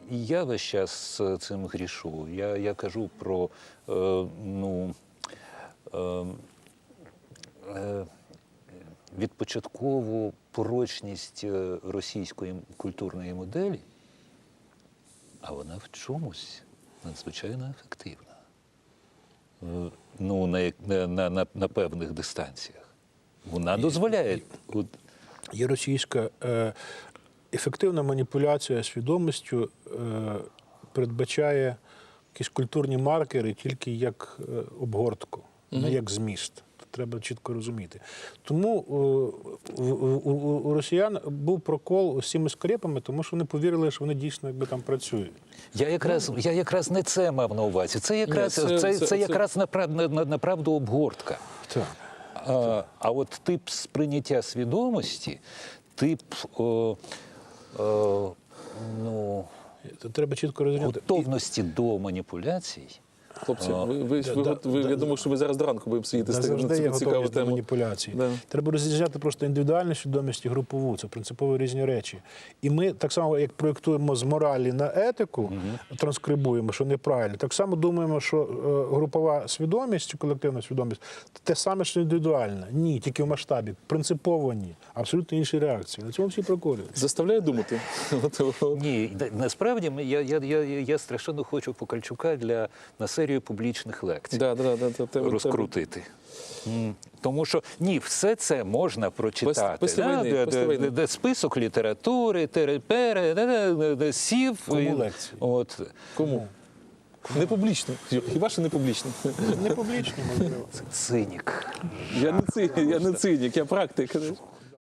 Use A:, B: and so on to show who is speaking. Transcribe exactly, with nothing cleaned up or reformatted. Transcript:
A: я весь час цим грішу. Я, я кажу про е, ну, е, е, відпочаткову порочність російської культурної моделі, а вона в чомусь надзвичайно ефективна. Е, ну, на, на, на, на певних дистанціях. Вона дозволяє... От,
B: Є російська е, ефективна маніпуляція свідомістю е, передбачає якісь культурні маркери тільки як е, обгортку, mm-hmm. не як зміст. Треба чітко розуміти. Тому е, у, у, у росіян був прокол з цими скрепами, тому що вони повірили, що вони дійсно якби там працюють.
A: Я якраз, я якраз не це мав на увазі. Це якраз, Ні, це, це, це, це якраз направду, направду обгортка.
B: Так.
A: А, а от тип сприйняття свідомості, тип о, о, ну,
B: Це треба чітко розрізняти.
A: готовності до маніпуляцій.
C: Хлопці, ви, ви,
B: да,
C: ви,
B: да,
C: ви,
B: да,
C: я думаю, що ми зараз до ранку будемо сидіти
B: Да,
C: з
B: завжди є
C: такою цікавою
B: готовність до
C: темою.
B: маніпуляції.
C: Да.
B: Треба розрізняти просто індивідуальну свідомість і групову. Це принципово різні речі. І ми так само, як проєктуємо з моралі на етику, угу. транскрибуємо, що неправильно, так само думаємо, що е, групова свідомість, колективна свідомість – те саме, що індивідуальна. Ні, тільки в масштабі. Принципово ні. Абсолютно інші реакції. На цьому всі проколюються.
C: Заставляє думати?
A: Ні, насправді я, я, я, я страшенно хочу Покальчука для, на серію публічних лекцій
C: да, да, да, да, тебе,
A: розкрутити. Тебе. Тому що, ні, все це можна прочитати.
C: Після
A: да?
C: війни,
A: де,
C: після
A: де,
C: війни.
A: де список літератури, терепери, де, де, де, де сів.
B: Кому
A: і,
B: лекції?
A: От.
C: Кому? Не публічно. Хіба що не публічно?
B: Не публічно, можливо.
A: Цинік.
C: Я не цинік, я не цинік, я практик.